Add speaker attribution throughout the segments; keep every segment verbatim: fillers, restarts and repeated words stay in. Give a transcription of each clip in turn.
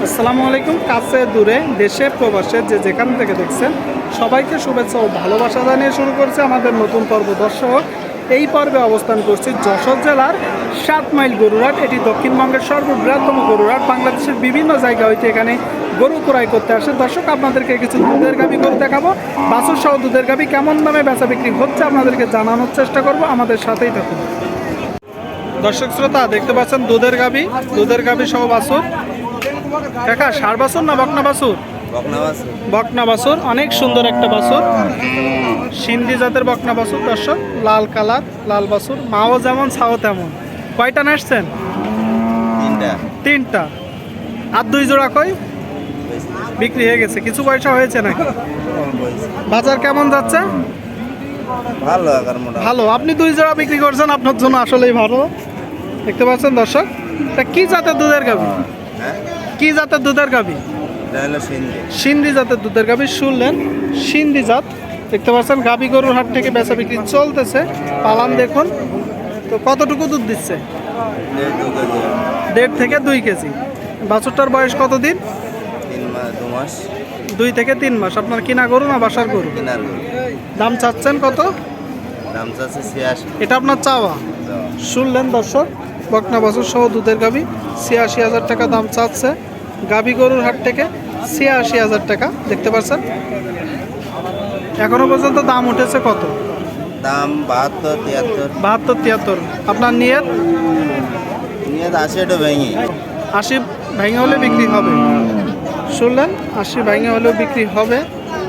Speaker 1: আসসালামু আলাইকুম। কাছে দূরে দেশে প্রবাসে যে যেখান থেকে দেখছেন সবাইকে শুভেচ্ছা ও ভালোবাসা জানিয়ে শুরু করছে আমাদের নতুন পর্ব। দর্শক, এই পর্বে অবস্থান করছি যশোর জেলার সাত মাইল গরুরহাট। এটি দক্ষিণবঙ্গের সর্ববৃহত্তম গরুরহাট। বাংলাদেশের বিভিন্ন জায়গা হইতে এখানে গরু ক্রয় করতে আসে। দর্শক, আপনাদেরকে কিছু দুধের গাভী গরু দেখাবো। বাছুর সহ দুধের গাভী কেমন দামে বেচা বিক্রি হচ্ছে আপনাদেরকে জানানোর চেষ্টা করব। আমাদের সাথেই থাকুন। দর্শক শ্রোতা, দেখতে পাচ্ছেন দুধের গাভী, দুধের গাভী সহ বাছুর। কাকা, ষাঁড় বাছুর না বকনা বাছুর? বকনা বাছুর, অনেক সুন্দর একটা বাছুর, সিন্ধি জাতের বকনা বাছুর। দর্শক, লাল কালার, লাল বাছুর, মাও যেমন ছাও তেমন। কয়টা নাচছেন?
Speaker 2: তিনটা।
Speaker 1: তিনটা। আর দুই জোড়া কই বিক্রি হয়ে গেছে? কিছু পয়সা হয়েছে নাকি? বাজার কেমন যাচ্ছে?
Speaker 2: ভালো
Speaker 1: ভালো। আপনি দুই জোড়া বিক্রি করছেন, আপনার জন্য আসলেই ভালো। দেখতে পাচ্ছেন দর্শক, তা কি জাতের দুধের গাভী? কি জাতের দুধের গাভী? সিন্ধি জাতের দুধের গাভী। শুনলেন, সিন্ধি জাত। দেখতে পাচ্ছেন গাভী গরুর হাট থেকে বেচা বিক্রি চলতেছে। পালান দেখুন তো কতটুকু দুধ দিচ্ছে? দেড় থেকে দুই কেজি। বাছুরটার বয়স কতদিন? দুই থেকে তিন মাস। আপনার কিনা গরু না বাসার গরু? দাম চাচ্ছেন কত? এটা আপনার চাওয়া? শুনলেন দর্শক, বকনা বাছুর সহ দুধের গাভী ছিয়াশি হাজার টাকা দাম চাচ্ছে গাভী গরুর হাট থেকে। ছিয়াশি হাজার টাকা। দেখতে পাচ্ছেন এখনো পর্যন্ত দাম উঠেছে কত?
Speaker 2: দাম বাহাত্তর তিয়াত্তর।
Speaker 1: বাহাত্তর তিয়াত্তর। আপনার নিয়ত?
Speaker 2: নিয়ত আশি ভেঙে।
Speaker 1: আশি ভেঙে হলে বিক্রি হবে। শুনলেন, আশি ভেঙে হলেও বিক্রি হবে।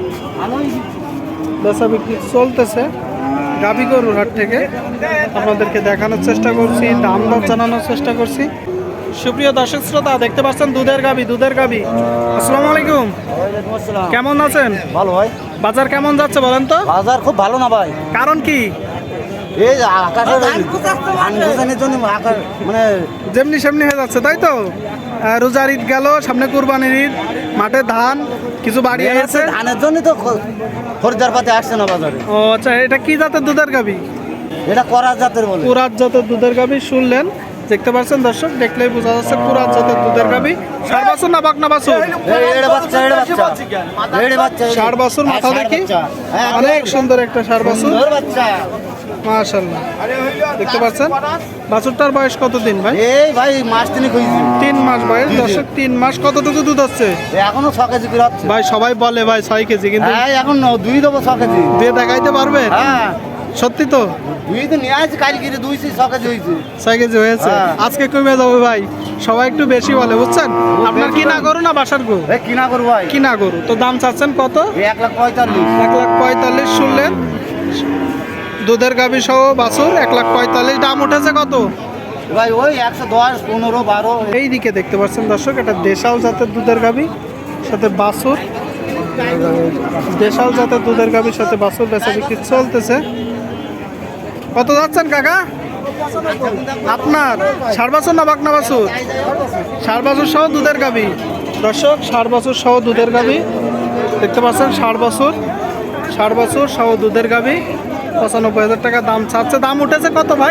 Speaker 1: বেচা বিক্রি চলতেছে গাভী গরুর হাট থেকে। আপনাদেরকে দেখানোর চেষ্টা করছি, দাম দর জানানোর চেষ্টা করছি। সুপ্রিয় দর্শক শ্রোতা, দেখতে পাচ্ছেন দুধের গাভী, দুধের গাভী। আসসালামু আলাইকুম, কেমন আছেন?
Speaker 3: ভালো ভাই।
Speaker 1: বাজার কেমন যাচ্ছে বলেন তো?
Speaker 3: বাজার খুব ভালো না ভাই।
Speaker 1: কারণ কি?
Speaker 3: এই যে আকাশের ধান গোছানোর জন্য আকাশ মানে
Speaker 1: যেমনি সেমনি হয়ে যাচ্ছে, তাই তো? আহ, রোজার ঈদ গেল, সামনে কুরবানির ঈদ, মাঠে ধান কিছু বাড়ি আছে,
Speaker 3: ধানের জন্য তো খরিদ্দার পাতে আসছে না বাজারে।
Speaker 1: ও আচ্ছা, এটা কি জাতের দুধের গাভী?
Speaker 3: এটা করার জাতের বলে।
Speaker 1: কুরাত জাতের দুধের গাভী। শুনলেন, দেখতে পাচ্ছেন দর্শক, দেখলেই বোঝা যাচ্ছে কুরাত জাতের দুধের গাভী। ষাঁড় বাছুর না বকনা বাছুর?
Speaker 3: এটা বাচ্চা, এটা বাচ্চা, এটা বাচ্চা।
Speaker 1: ষাঁড় বাছুর, মাথা দেখি, অনেক সুন্দর একটা ষাঁড় বাছুর,
Speaker 3: বাচ্চা,
Speaker 1: মাশাআল্লাহ। দেখতে পাচ্ছেন বাছুরটার বয়স কতদিন ভাই?
Speaker 3: এই ভাই মাস তিন কইছি।
Speaker 1: তিন মাস বয়স। দর্শক, তিন মাস। কতটুকু দুধ হচ্ছে?
Speaker 3: এখনো ছ কেজি করে হচ্ছে
Speaker 1: ভাই। সবাই বলে ভাই ছয় কেজি, কিন্তু
Speaker 3: হ্যাঁ এখন দুই দেবো ছ কেজি।
Speaker 1: দিয়ে দেখাইতে পারবে?
Speaker 3: হ্যাঁ
Speaker 1: সত্যি তো?
Speaker 3: দুই তো নিয়ে আসছি কালকে, দুই ছ কেজি হয়েছে।
Speaker 1: ছয় কেজি হয়েছে।
Speaker 3: হ্যাঁ।
Speaker 1: আজকে কমে যাবে ভাই, সবাই একটু বেশি বলে, বুঝছেন? আপনার কিনা গরু না বাসার গরু?
Speaker 3: এই কিনা করবো ভাই।
Speaker 1: কিনা গরু। তো দাম চাচ্ছেন কত?
Speaker 3: এক লাখ পঁয়তাল্লিশ।
Speaker 1: এক লাখ পঁয়তাল্লিশ। শুনলেন, দুধের গাভী সহ বাছুর এক লাখ পঁয়তাল্লিশ। দাম উঠেছে কত
Speaker 3: ভাই? ওই একশো দশ, পনেরো, বারো।
Speaker 1: এই দিকে দেখতে পাচ্ছেন দর্শক, এটা দেশাল জাতের দুধের গাভী সাথে বাছুর। দেশাল জাতের দুধের গাভীর সাথে বাছুর বেচা বিক্রি চলতেছে। কত যাচ্ছেন কাকা আপনার? ষাঁড় বাছুর না বকনা বাছুর? ষাঁড় বাছুর সহ দুধের গাভী। দর্শক, ষাঁড় বাছুর সহ দুধের গাভী দেখতে পাচ্ছেন। ষাঁড় বাছুর, ষাঁড় বাছুর সহ দুধের গাভী পঁচানব্বই হাজার টাকা দাম চাচ্ছে। দাম উঠেছে কত ভাই?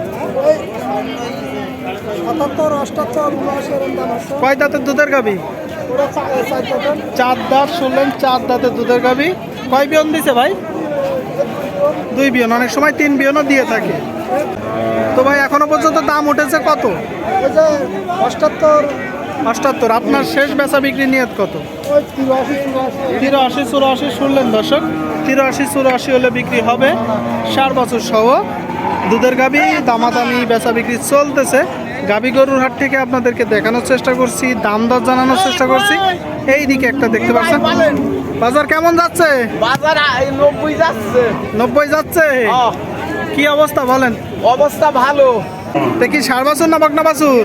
Speaker 1: কয় দাঁতের দুধের গাভী? চার দাঁত। শুনলেন, চার দাঁতের দুধের গাভী। কয় বিয়ন দিছে ভাই? দুই বিয়ন। অনেক সময় তিন বিয়নও দিয়ে থাকে। তো ভাই এখনো পর্যন্ত দাম উঠেছে কত? অষ্টাত্তর। অষ্টাত্তর। আপনার শেষ বেচা বিক্রি নিয়ত কত? তিরাশি চুরাশি। শুনলেন দর্শক, তিরাশি চুরাশি হলে বিক্রি হবে। ষাঁড় বাছুর সহ দুধের গাভী দামাদামি বেচা বিক্রি চলতেছে গাভী গরুর হাট থেকে। আপনাদেরকে দেখানোর চেষ্টা করছি, দাম দর জানানোর চেষ্টা করছি। এই দিকে একটা দেখতে পাচ্ছেন। বাজার কেমন যাচ্ছে?
Speaker 3: বাজার নব্বই যাচ্ছে।
Speaker 1: নব্বই যাচ্ছে। কি অবস্থা বলেন?
Speaker 3: অবস্থা ভালো।
Speaker 1: দেখি ষাঁড় বাছুর না বকনা বাছুর?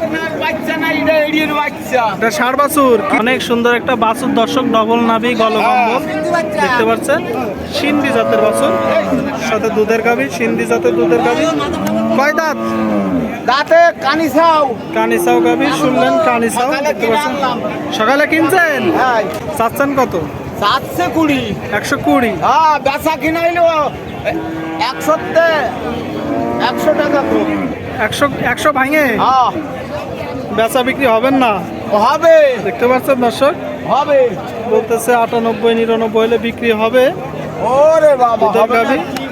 Speaker 1: এটা ষাঁড় বাছুর। অনেক সুন্দর একটা বাছুর দর্শক, ডবল নাভি, গলকম্বল দেখতে পাচ্ছেন। সিন্ধি জাতের বাছুর সাথে দুধের গাভী। সিন্ধি জাতের দুধের গাভী। কয় দাঁত?
Speaker 3: দাঁতে কানিসাও।
Speaker 1: কানিসাও গাভী। শুনলেন, কানিসাও দেখতে পাচ্ছেন। সকালে কিনছেন? চাচ্ছেন কত?
Speaker 3: সাতশো কুড়ি।
Speaker 1: একশো কুড়ি।
Speaker 3: হ্যাঁ, বেচা কিনা হইলো একশোতে একশো টাকা।
Speaker 1: একশো একশো ভাঙে?
Speaker 3: হ্যাঁ।
Speaker 1: বেচা বিক্রি হবেন না,
Speaker 3: হবে
Speaker 1: দেখতে পাচ্ছেন দর্শক,
Speaker 3: হবে
Speaker 1: বলতেছে আটানব্বই নিরানব্বই হলে বিক্রি হবে
Speaker 3: ওরে বাবা
Speaker 1: দুধের
Speaker 3: হবে না
Speaker 1: গাভী।
Speaker 3: কি